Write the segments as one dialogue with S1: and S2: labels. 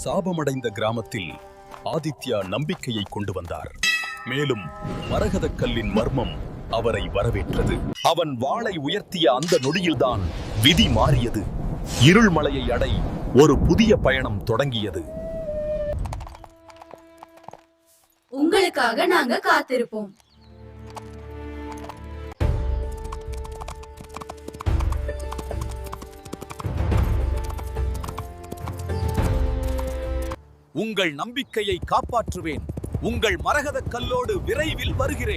S1: சாபமடைந்த கிராமத்தில் ஆதித்யா நம்பிக்கையை கொண்டு வந்தார். மேலும் மரகதக் கல்லின் மர்மம் அவரை வரவேற்றது. அவன் வாளை உயர்த்திய அந்த நொடியில்தான் விதி மாறியது. இருள்மலையை அடை ஒரு புதிய பயணம் தொடங்கியது.
S2: உங்களுக்காக நாங்க காத்திருப்போம்.
S3: உங்கள் நம்பிக்கையை காப்பாற்றுவேன். உங்கள் மரகதக் கல்லோடு விரைவில் வருகிறேன்.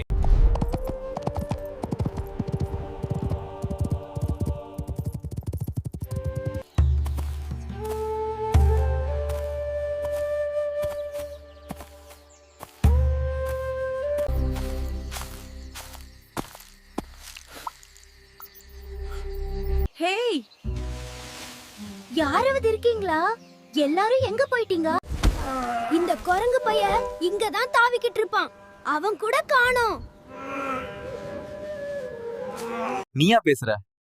S2: ஹேய், யாராவது இருக்கீங்களா? எல்லாரும் எங்க போயிட்டீங்க? இந்த குரங்கு பைய இங்கதான் தாவிக்கிட்டு இருப்பான். அவன் கூட காணோம்.
S3: நீயா பேசுற?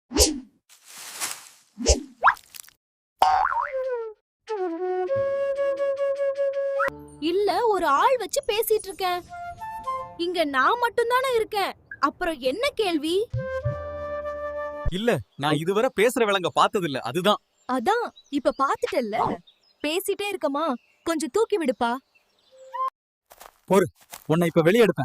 S2: இல்ல, ஒரு ஆள் வச்சு பேசிட்டு இருக்கேன். இங்க நான் மட்டும் தானே இருக்கேன். அப்புறம் என்ன கேள்வி?
S3: இல்ல, நான் இதுவரை பேசுற விலங்க பார்த்ததில்ல. அதுதான்.
S2: அதான் இப்ப பாத்துட்டல்ல. பேசிட்டே இருக்கமா, கொஞ்சம் தூக்கி விடுப்பா.
S3: பொறு, உன்னை இப்ப வெளியே எடுப்பேன்.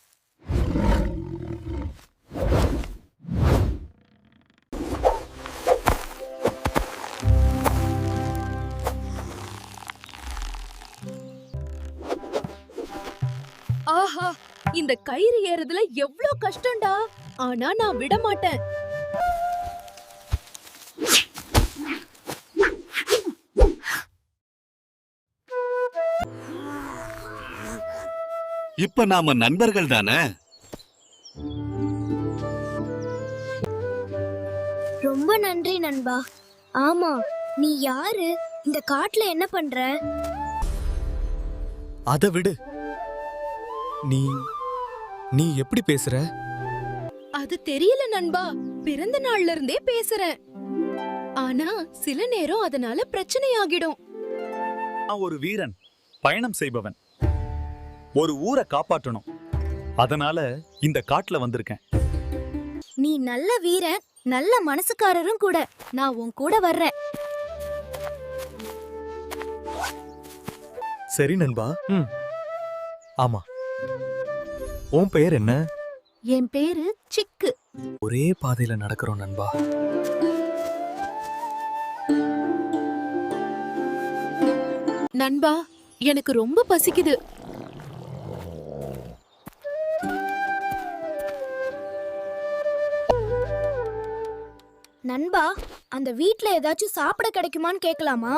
S2: ஆஹா, இந்த கயிறு ஏறதுல எவ்ளோ கஷ்டம்டா. ஆனா நான் விட மாட்டேன்.
S4: இப்ப நாம நண்பர்கள் தானே?
S5: ரொம்ப நன்றி நண்பா. ஆமா, நீ யாரு? இந்த காட்டுல என்ன பண்ற?
S3: அத விடு. நீ எப்படி பேசுற?
S2: அது தெரியல நண்பா. பிறந்த நாள்ல இருந்தே பேசுறேன். ஆனா சில நேரம் அதனால பிரச்சனை ஆகிடும்.
S3: நான் ஒரு வீரன், பயணம் செய்பவன். ஒரு ஊரை காப்பாற்றணும். அதனால இந்த காட்டுல வந்திருக்கேன்.
S5: நீ நல்ல வீரன், நல்ல மனசுக்காரரும் கூட. நான் உன் கூட வர்றேன்.
S3: சரி நண்பா. ஆமா, உன் பெயர் என்ன?
S2: என் பேரு சிக்கு.
S3: ஒரே பாதையில நடக்கிறோம் நண்பா.
S2: நண்பா, எனக்கு ரொம்ப பசிக்குது.
S5: நண்பா, அந்த வீட்ல ஏதாச்சும் சாப்பிட கிடைக்குமான்னு கேட்கலாமா?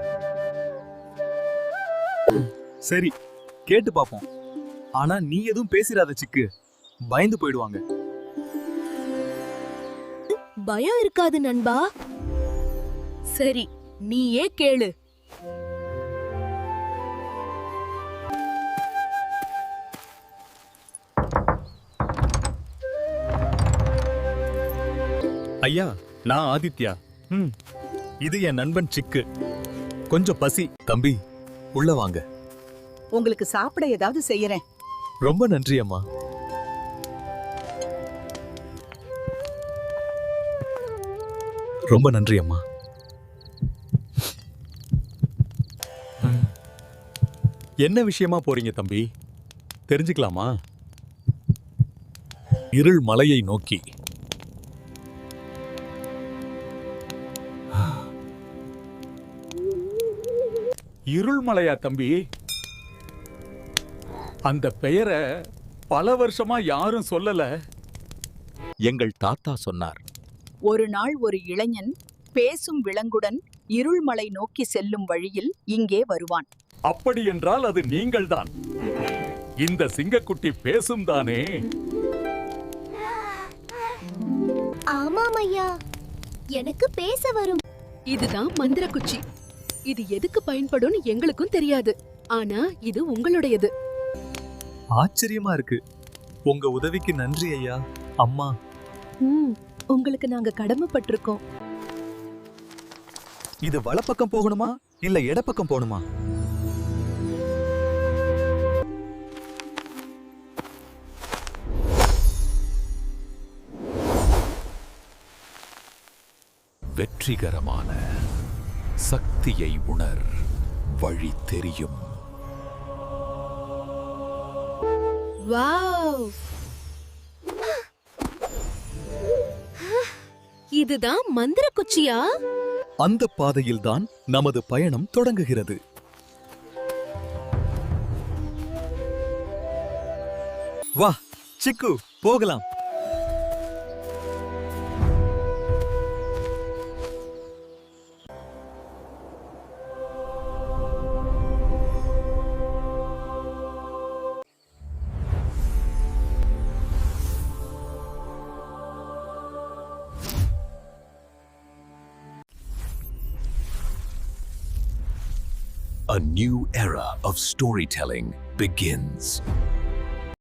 S3: சரி, கேட்டு பாப்போம். ஆனா நீ எதுவும் பேசிராத சிக்கு. பயந்து போயிடுவாங்க.
S2: பயம் இருக்காது நண்பா. சரி, நீயே கேளு.
S3: ஐயா, நான் ஆதித்யா. இது என் நண்பன் சிக்கு. கொஞ்சம் பசி. தம்பி, உள்ள வாங்க.
S6: உங்களுக்கு சாப்பிட ஏதாவது செய்யறேன்.
S3: ரொம்ப நன்றி அம்மா. ரொம்ப நன்றி அம்மா. என்ன விஷயமா போறீங்க தம்பி? தெரிஞ்சுக்கலாமா? இருள் மலையை நோக்கி. இருள்மலையா தம்பி? அந்த பெயரை பல வருஷமா யாரும் சொல்லல.
S4: எங்கள் தாத்தா சொன்னார்.
S6: ஒரு நாள் ஒரு இளைஞன் பேசும் விலங்குடன் இருள்மலை நோக்கி செல்லும் வழியில் இங்கே வருவான்.
S3: அப்படி என்றால் அது நீங்கள்தான். இந்த சிங்கக்குட்டி பேசும் தானே?
S5: ஆமாம் ஐயா, எனக்கு பேச வரும்.
S2: இதுதான் மந்திர குச்சி. இது எதுக்கு பயன்படும் எங்களுக்கும் தெரியாது. ஆனா இது உங்களுடையது.
S3: ஆச்சரியமா இருக்கு. உங்க உதவிக்கு நன்றி ஐயா. அம்மா,
S2: உங்களுக்கு நாங்க கடமைப்பட்டிருக்கோம்.
S3: இது வலப்பக்கம் போகணுமா இல்ல இடப்பக்கம் போணுமா?
S1: வெற்றிகரமான சக்தியை உணர், வழி தெரியும்.
S2: வாவ்! இதுதான் மந்திர குச்சியா?
S3: அந்த பாதையில்தான் நமது பயணம் தொடங்குகிறது. வா சிக்கு, போகலாம்.
S1: A new era of storytelling begins.